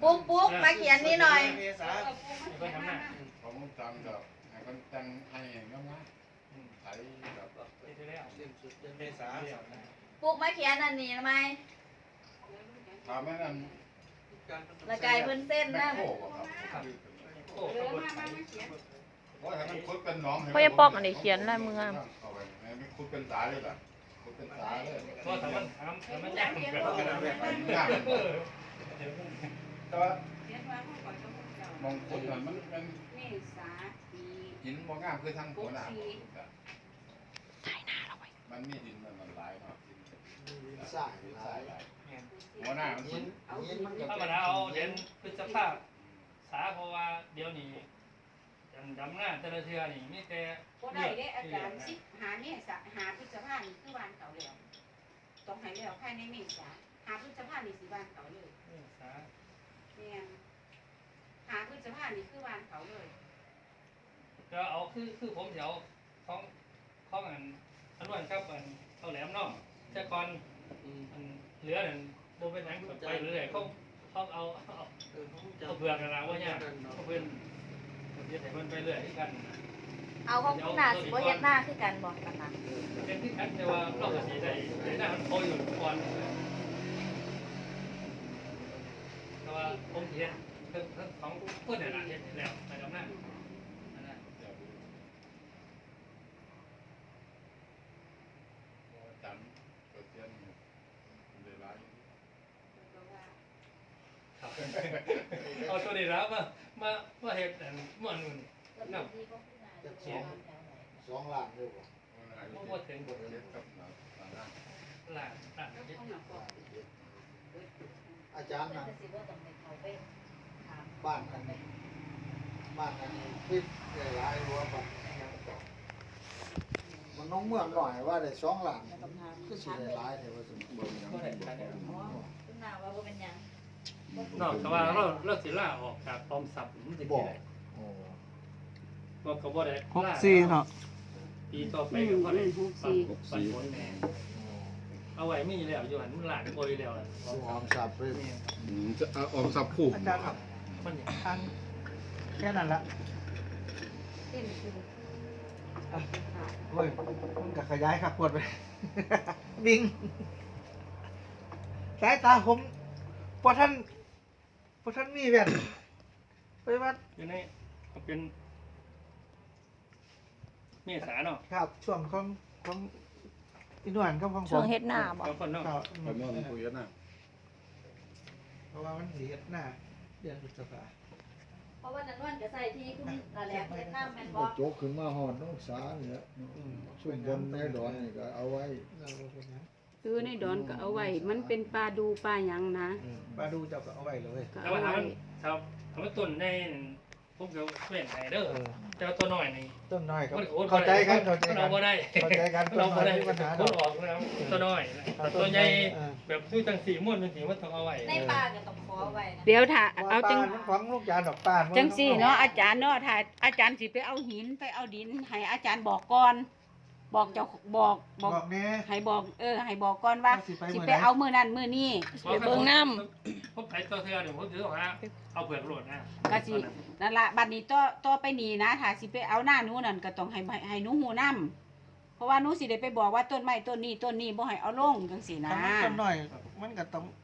ปุ๊กมาเขียนนี่หน่อยผมจำกับให้คนจังให้ง่ายๆใช้แบบปุ๊กมาเขียนอันนี้ทำไมทำให้มันละกายเพิ่นเส้นนะโค้ครับโอ้ให้มันคุดเป็นน้องพ่อจะปอกอันนี้เขียนลายมือเอาไปไม่คุดเป็นสายเลยล่ะคุดเป็นสายเลยเพราะถ้ามันยากแบบยากแต่ว่ามองคุดมันหินมองงามคือทางหัวหน้าถ่ายหน้าเราไว้มันมีดินมันหลายเนาะสายหัวหน้ามันหินถ้ามันเอาเด่นพฤษภาษาเพราะว่าเดี๋ยวนี้ดำหน้าแต่ละเทือนี่มีแต่ก็ได้ได้อาจารย์หาเนี่ยหาพฤษภานี่คือวันเก่าแล้วต้องให้แล้วภายในเมษาหาพฤษภานี่สิวันเก่าเลยเนี่ยหาพฤษภานี่คือวันเก่าเลยก็เอาคือผมเดี๋ยวของอันวันครับอันเอาแหลมเนาะแต่ก่อนเหลือนั่นโบเป็นหนังไปเรื่อยเขาเอาเปลือกกันแล้วว่าเนี่ยเขาเป็นเดี๋ยวมันไปเรื่อยที่กันเอาของคุณน่ะสิบ่เฮ็ดหน้าคือกันบอกกันนะเป็นที่กันแต่ว่าเราก็สีได้หน้ามันโตอยู่ก่อนแต่ว่าผมเห็นทั้งของเพื่อนเนี่ยเห็นแล้วไปกับหน้าจำเกิดเทียนเลยหลายเอาตัวนี้แล้วมาเห็ดมันนู่นน้ำ 2 ล้านเลยบ่ว่าถึงเทียนกับหน้าหลานอาจารย์นั่นบ้านอันนี้คิดได้หลายหัวบัดยังต่อมันน้องเมืองหน่อยว่าได้2 ล้านคือสิได้หลายแท้ว่าสมบูรณ์ก็ได้ใช่อ๋อคุณน่ะว่าบ่เป็นหยังนอกจากว่าเราสิล่าออกจากออมทรัพย์มันจะกี่ได้โอ้บอกเขาบ่ได้ 64เนาะปีต่อไปก็บ่ได้ปันผลแน่เอาไว้มีแล้วอยู่หันมันหลานโกยแล้วซื้อหอมสับไปจะออมสับคู่อาจารย์ครับมันอย่างทางแค่นั้นละเส้นคือเฮ้ยมันก็ขยายครับปวดไป บิงสายตาผมพอท่านมีแว่นไปวัดอยู่ในเป็นเมษาเนาะครับช่วงของอีนวลกับของผมช่วงเฮ็ดหน้าบ่บางคนเนาะครับไปมองคุยกันนะเพราะว่ามันสิเฮ็ดหน้าเดือนพฤษภาเพราะว่านั้นวันก็ใส่ที่คุณนั่นแหละเฮ็ดหน้าแม่นบ่โจกขึ้นมาหอดน้องสาเนี่ยช่วงบนในดอนนี่ก็เอาไว้เราบ่เป็นหยังคือในดอนก็เอาไว้มันเป็นปลาดูปลาหยังนะปลาดูเจ้าก็เอาไว้เลยก็แต่เอาว่าไว้ทำต้นในพวกเราเปลี่ยนไฮเดอร์แต่ตัวน้อยนี่ต้นน้อยครับมันเข้าใจกันเราบ่ได้เข้าใจกันเราบ่ได้มีปัญหาคนออกแล้วตัวน้อยแต่ตัวใหญ่แบบซื้อตั้ง4ม้วนนึงว่าต้องเอาไว้ในป่าก็ต้องขอไว้นะเดี๋ยวถ้าเอาจังของลูกจานดอกปานจังสี่เนาะอาจารย์เนาะถ้าอาจารย์สิไปเอาหินไปเอาดินให้อาจารย์บอกก่อนบอกเจ้าบอกบอกแน่ให้บอกให้บอกก่อนว่าสิไปสิมื้อไปใดเอามือนั้นมือนี้ไปเบิ่งน้ผมไปตัวเธอเดี๋ยวผมถือว่าเอาเปลือกโหลดนะก็สินั่นละบัดนี้ต่อไปนี้นะถ้าสิไปเอาหน้าหนูนั่นก็ต้องให้หนูฮู้นำเพราะว่าหนูสิได้ไปบอกว่าต้นไม้ต้นนี้บ่ให้เอาลงจังซี่นะถ้ามันต้นน้อยมันก็ต้อง